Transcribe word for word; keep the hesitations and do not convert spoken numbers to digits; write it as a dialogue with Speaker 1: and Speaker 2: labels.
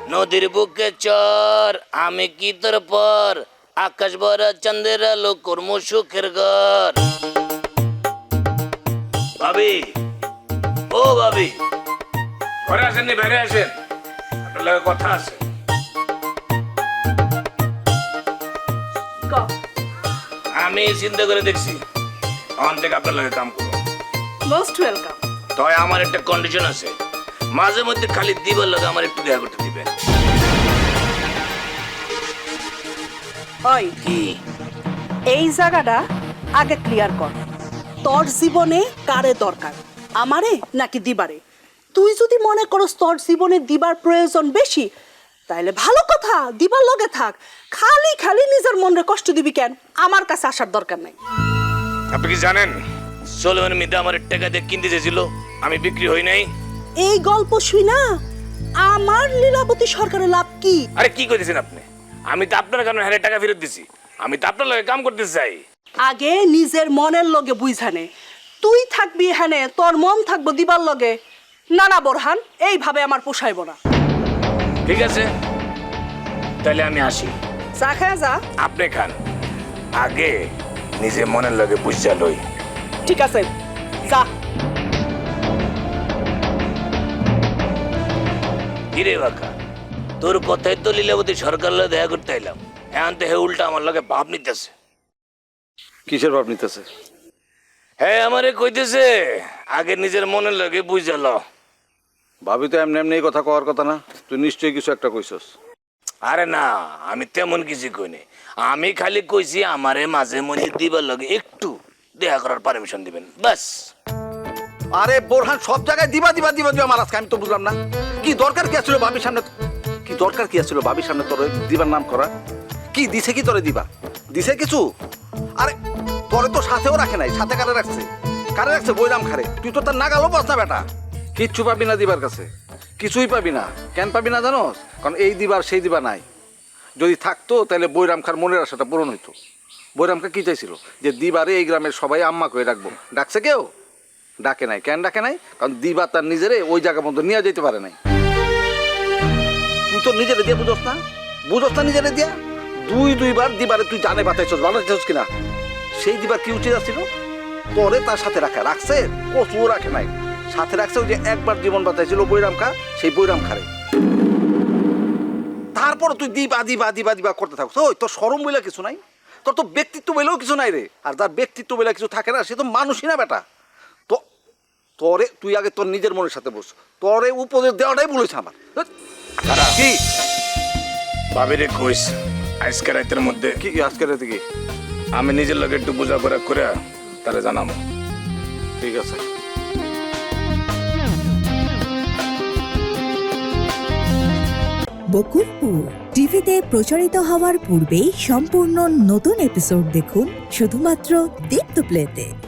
Speaker 1: নদীর বুকে চর আমি কি তোর পর আকাশ ভরা চন্দ্রের আলো কর্ম সুখের ঘর। ভাবি, ও ভাবি, ঘরে আসেননি, বাইরে আসেন, আপনার লগে কথা আছে। আমি চিন্তা করে দেখছি অন থেকে আপনার লগে কাম করবো।
Speaker 2: Most welcome.
Speaker 1: তবে আমার একটা কন্ডিশন আছে, মাঝে মধ্যে খালি দিবার লগে আমার একটু দেখা করতে দিবেন।
Speaker 2: ওই
Speaker 1: কি?
Speaker 2: এই জায়গাটা আগে ক্লিয়ার কর। তোর জীবনে কারে দরকার, আমারে নাকি দিবারে? তুই যদি মনে করস তোর জীবনে দিবার প্রয়োজন বেশি, তাইলে ভালো কথা, দিবার লগে থাক। খালি খালি নিজের মনে কষ্ট দিবি কেন? আমার কাছে আসার দরকার নাই।
Speaker 1: আপনি কি জানেন সোলেমান মিদা আমার টাকা দিয়ে কিনতে চেয়েছিল, আমি বিক্রি হই নাই।
Speaker 2: এই গল্প শুই না আমার লীলাবতী সরকারের লাভ কি?
Speaker 1: আরে কি কইতেছেন আপনি? আমি তো আপনার কারণে হারে টাকা ফেরত দিছি, আমি তো আপনার লগে কাম করতে চাই।
Speaker 2: আগে নিজের মনের লগে বুঝানে, তুই থাকবি এখানে, তোর মন থাকবো দিবার লগে। না না বোরহান, এইভাবে আমার পোষাইব না।
Speaker 1: ঠিক আছে, তাহলে আমি আসি।
Speaker 2: চা খায় যা।
Speaker 1: আপনি খান, আগে নিজে মনের লগে বুঝা লই।
Speaker 2: ঠিক আছে, যা।
Speaker 1: কিরে বাকা, তোর কথাই তো লীলাবতী সরকার লগে দেখা করতে এলাম, এখন তো হে উল্টা আমার লগে ভাব নিতেছে।
Speaker 3: কিসের ভাব নিতেছে?
Speaker 1: হ্যাঁ, আমারে কইতেছে আগে নিজের মনের লগে বুঝা ল।
Speaker 3: ভাবি তো এমনি এমনি এই কথা কওয়ার কথা না, তুই নিশ্চয়ই কিছু একটা কইছস।
Speaker 1: আরে না, আমি তেমন কিছু কইনি, আমি খালি কইছি আমারে মাঝে মধ্যে দিবার লগে একটু দেখা করার পারমিশন দিবেন, বাস।
Speaker 3: আরে বোরহান, সব জায়গায় দিবা দিবা দিবা দিবা মারাস, আমি তো বুঝলাম না কি দরকার কি আছিল ভাবির সামনে, কি দরকার কি আছিল ভাবির সামনে তোর দিবার নাম করা? কি দিছে কি তোরে দিবা? দিছে কিছু? আরে তোরে তো সাথেও রাখে নাই, সাথে কারে রাখছে? কারে রাখছে? বইরাম খারে। তুই তো তার নাগালও পাস না বেটা, কিচ্ছু পাবি না দিবার কাছে, কিছুই পাবি না। কেন পাবি না জানোস? কারণ এই দিবার সেই দিবা নাই। যদি থাকতো তাহলে বৈরাম খার মনের আশাটা পূরণ হইতো। বৈরাম খা কি চাইছিল? যে দিবারে এই গ্রামের সবাই আম্মা করে রাখবো। ডাকছে কেউ? ডাকে নাই। কেন ডাকে নাই? কারণ দিবা তার নিজেরে ওই জায়গা মতো নিয়ে যেতে পারে নাই। তুই তো নিজেরে দিয়ে বুঝোস না, বুঝোস না নিজেরে দিয়া। দুই দুইবার দিবারে তুই জানে বাতাইছস, ভালো চাইছস কিনা? সেই দিবার কি উচিত ছিল? তোরে তার সাথে রাখা। রাখছে? কচুও রাখে নাই, সাথে রাখছে ওই যে একবার জীবন বাতাইছিল বৈরাম খা, সেই বৈরাম খারে। তারপর তুই দিবা দিবা দিবা দিবা করতে থাকছ। ওই তোর শরম বইলা কিছু নাই, তোর তো ব্যক্তিত্ব বইলেও কিছু নাই রে। আর যার ব্যক্তিত্ব বইলা কিছু থাকে না, সে তো মানুষই না বেটা। তো তোরে তুই আগে তোর নিজের মনের সাথে বস, তোরে উপদেশ দেওয়াটাই বলেছে আমার। কি
Speaker 1: ভাবিরে কইস আজকে রাতের মধ্যে
Speaker 3: কি আজকে রাতে কি?
Speaker 1: আমি নিজের লগে একটু বোঝাপড়া করে তাহলে জানাবো।
Speaker 3: ঠিক আছে।
Speaker 4: বকুলপুর টিভিতে প্রচারিত হওয়ার পূর্বেই সম্পূর্ণ নতুন এপিসোড দেখুন শুধুমাত্র দীপ্ত প্লেতে।